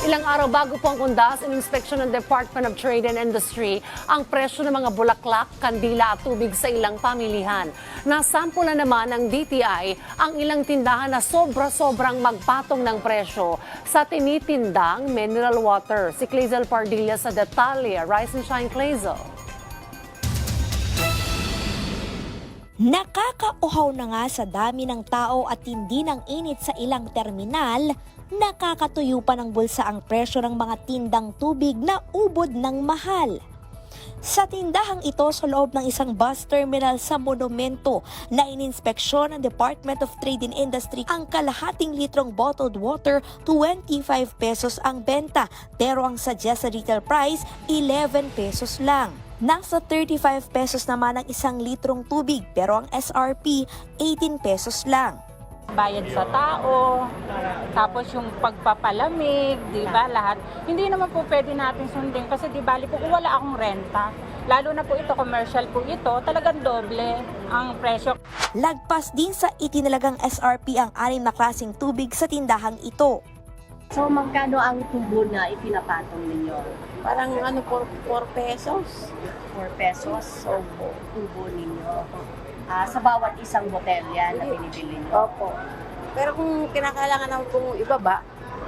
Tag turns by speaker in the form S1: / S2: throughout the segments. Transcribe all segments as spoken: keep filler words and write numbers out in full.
S1: Ilang araw bago po ang undas, ininspeksyon ng Department of Trade and Industry ang presyo ng mga bulaklak, kandila at tubig sa ilang pamilihan. Nasampulan naman ng D T I ang ilang tindahan na sobra-sobrang magpatong ng presyo sa tinitindang mineral water. Si Clazel Pardilla sa detalye. Rise and shine, Clazel.
S2: Nakakauhaw na nga sa dami ng tao at tindi ng init sa ilang terminal, nakakatuyo pa ng bulsa ang presyo ng mga tindang tubig na ubod ng mahal. Sa tindahang ito sa loob ng isang bus terminal sa Monumento na ininspeksyon ng Department of Trade and Industry, ang kalahating litrong bottled water twenty-five pesos ang benta, pero ang suggested retail price eleven pesos lang. Nasa thirty-five pesos naman ang isang litrong tubig, pero ang S R P eighteen pesos lang.
S3: Bayad sa tao, tapos yung pagpapalamig, di ba, lahat. Hindi naman po pwede natin sundin kasi di bali po kung wala akong renta. Lalo na po ito, commercial po ito, talagang doble ang presyo.
S2: Lagpas din sa itinalagang S R P ang anim na klaseng tubig sa tindahang ito.
S4: So magkano ang tubo na ipinapatong ninyo?
S5: Parang ano, four pesos.
S4: four pesos so tubo ninyo. Ah, sa bawat isang botelya na binibili nyo.
S5: Opo. Pero kung kinakailangan naman kung ibaba,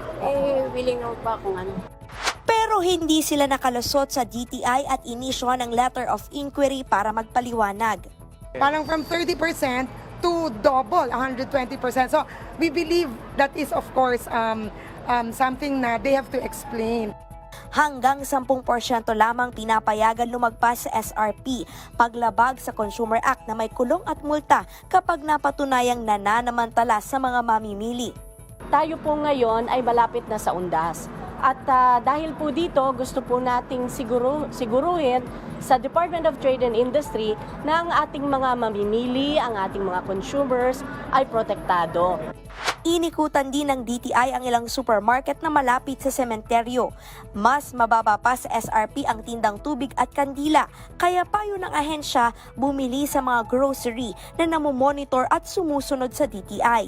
S5: eh willing naman pa kung ano.
S2: Pero hindi sila nakalusot sa D T I at inisyuhan ng letter of inquiry para magpaliwanag.
S6: Parang from thirty percent to double, one hundred twenty percent. So we believe that is of course um, um, something na they have to explain.
S2: Hanggang ten porsyento lamang pinapayagan lumagpas sa S R P, paglabag sa Consumer Act na may kulong at multa kapag napatunayang nananamantala sa mga mamimili.
S7: Tayo po ngayon ay malapit na sa undas. At uh, dahil po dito, gusto po nating siguro, siguruhin sa Department of Trade and Industry na ang ating mga mamimili, ang ating mga consumers ay protektado.
S2: Inikutan din ng D T I ang ilang supermarket na malapit sa sementeryo. Mas mababa pa sa S R P ang tindang tubig at kandila, kaya payo ng ahensya bumili sa mga grocery na namomonitor at sumusunod sa D T I.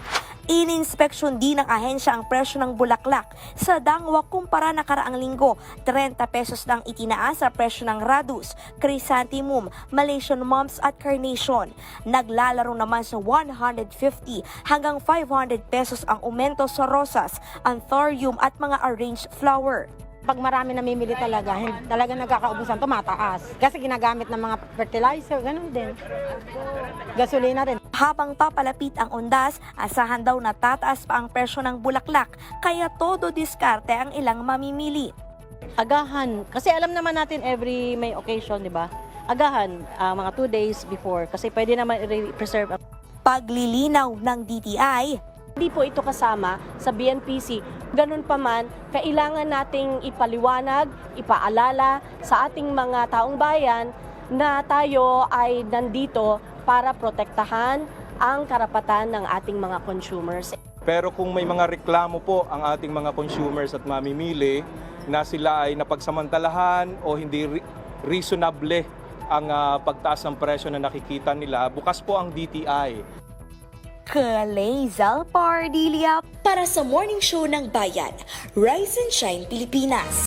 S2: Ininspeksyon din ng ahensya ang presyo ng bulaklak. Sa Dangwa kumpara nakaraang linggo, thirty pesos lang itinaas sa presyo ng Radus, Chrysanthemum, Malaysian Mums at Carnation. Naglalaro naman sa one hundred fifty hanggang five hundred pesos ang aumento sa rosas, anthurium at mga arranged flower.
S3: Pag marami namimili talaga, talaga nagkakaubusan, tumataas. Kasi ginagamit ng mga fertilizer, ganun din. Gasolina rin.
S2: Habang papalapit ang undas, asahan daw na tataas pa ang presyo ng bulaklak, kaya todo diskarte ang ilang mamimili.
S7: Agahan, kasi alam naman natin every may occasion, di ba? Agahan, uh, mga two days before, kasi pwede naman i-preserve.
S2: Paglilinaw ng D T I,
S7: Hindi po ito kasama sa B N P C. Ganun pa man, kailangan nating ipaliwanag, ipaalala sa ating mga taong bayan na tayo ay nandito para protektahan ang karapatan ng ating mga consumers.
S8: Pero kung may mga reklamo po ang ating mga consumers at mamimili na sila ay napagsamantalahan o hindi reasonable ang uh, pagtaas ng presyo na nakikita nila, bukas po ang D T I.
S2: Clazel Pardilla para sa Morning Show ng Bayan, Rise and Shine Pilipinas.